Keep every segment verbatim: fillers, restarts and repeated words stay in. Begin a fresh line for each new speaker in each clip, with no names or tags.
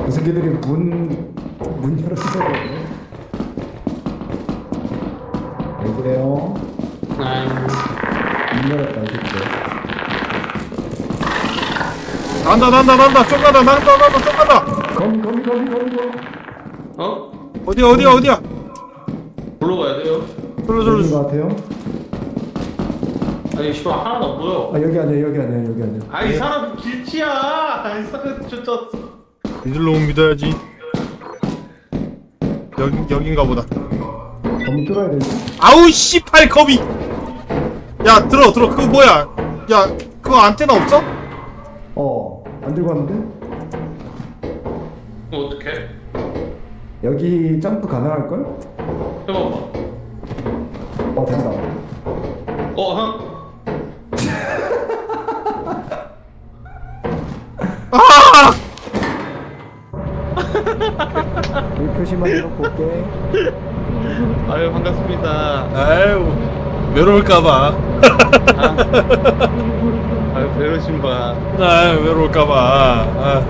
그 새끼들이 문, 문 열어주거든요. 왜 그래요?
아유.
문 열었다, 이 새끼.
난다 난다 난다 쪽 간다 난다 난다 쪽 간다.
거미, 거미, 거미, 거미, 거미.
어?
어디야 어디야 어디야.
불러 가야 돼요?
저로
여기인
저로.
것 같아요?
아니 씨발 하나도 안 보여.
아, 여기 아니야, 여기 아니야, 여기 아니야.
아이 사람 길치야. 아이 사람 진짜.
이들로 믿어야지. 여기 여긴가 보다.
거미 뚫어야 되지?
아우 씨팔 거미. 야 들어 들어 그거 뭐야? 야 그거 안테나 없어?
어, 안 들고 왔는데?
어 어떡해?
여기 점프 가능할걸?
해봐봐.
어, 된다.
어 형.
아!
이 표시만 해놓고 올게.
아유 반갑습니다.
아유 외로울까봐.
아. 아유 배려심 봐.
아유 외로울까봐. 아.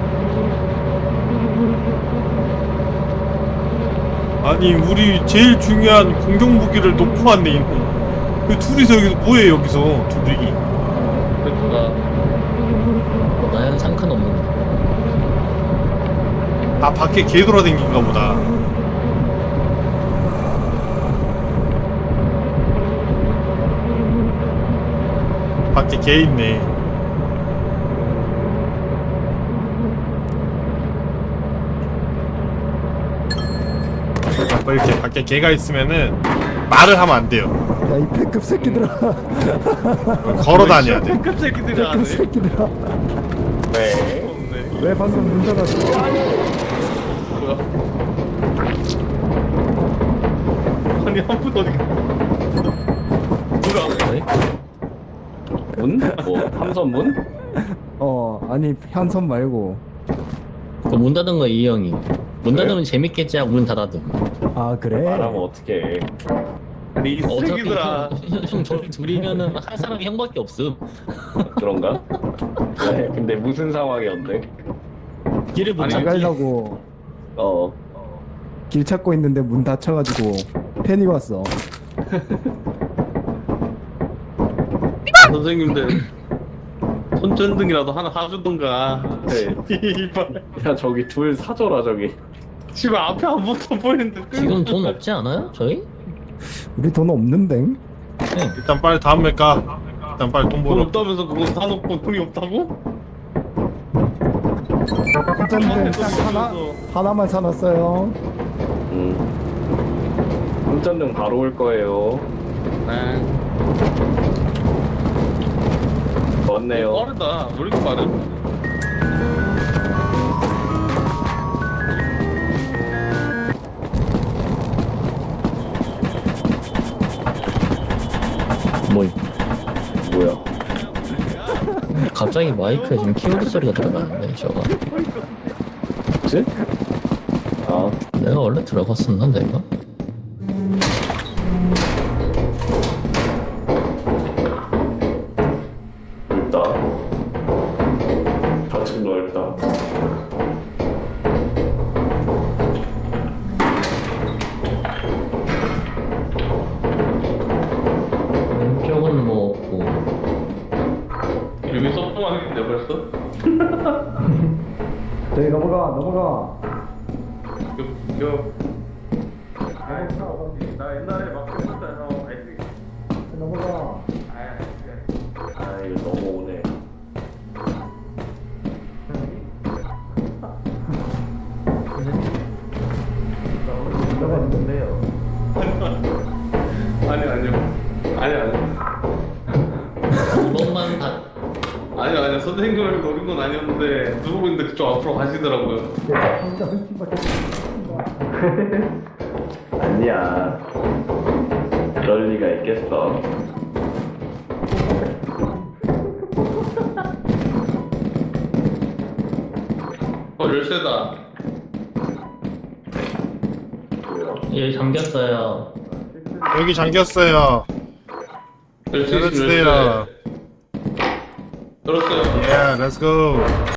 아니 우리 제일 중요한 공격 무기를 놓고 왔네 이놈. 그 둘이서 여기서 뭐해 여기서 둘이.
그러니까.
나는 상관없는.
아 밖에 개 돌아다닌가 보다. 밖에 개 있네. 뭐 이렇게 밖에 개가 있으면은 말을 하면 안 돼요.
야, 이 패급 새끼들아.
걸어 다녀야 돼.
급 새끼들이 안
패급
해.
새끼들아.
네.
왜 방금 문 닫았어?
뭐야? 아니 한 분 어디? 누가?
왜?
문? 뭐 삼선문?
어, 아니, 현선 말고.
그문 닫은 거 이 형이. 문
그래?
닫으면 재밌겠지 하고 문 닫아둔.
아, 그래?
말하면 어떡해.
아니 이
어차피
새끼들아.
형저 둘이면은 할 사람이 형밖에 없음.
그런가? 왜? 근데 무슨 상황이었는데?
길을 못
아니,
안
찾지.
가려고
어.
길 찾고 있는데 문 닫혀가지고 팬이 왔어.
선생님들 손전등이라도 하나 사주던가.
네.
이발.
야 저기 둘 사줘라 저기.
집에 앞에 아무것도 안 보이는데.
지금 돈 없지 않아요? 저희?
우리 돈 없는데?
네.
일단 빨리 다음에 까. 일단 빨리 돈
돈
벌어.
없다면서 그거 사놓고 돈이 없다고?
혼자인데 딱 하나? 하나만 사놨어요.
음. 손전등 바로 올 거예요.
네.
왔네요.
빠르다. 왜 이렇게 빠르?
뭐
뭐야?
갑자기 마이크에 지금 키보드 소리가 들어가는데 저거.
뭐지? 아
내가 원래 들어갔었나 내가?
넓다. 좌측 넓다.
왼쪽은 뭐 없고.
여기 서프망인데 벌써?
저기 넘어가, 넘어가.
요, 요. 아이, 나 옛날에 막 했었잖아. 아이,
넘어가.
아 이거 넘어오네.
넘어가 있는데요.
아니, 아니요. 아니, 아니요.
한 번만 다.
아니요, 아니요. 선생님을 노린 건 아니었는데, 누구 있는데 그쪽 앞으로 가시더라고요.
혼자 흠집밖에
아니야. 그럴 리가 있겠어.
어, 열쇠다.
뭐야?
예 잠겼어요.
여기 잠겼어요.
열쇠 있으면 열쇠.
열어주세요.
열었어요.
Yeah, let's go.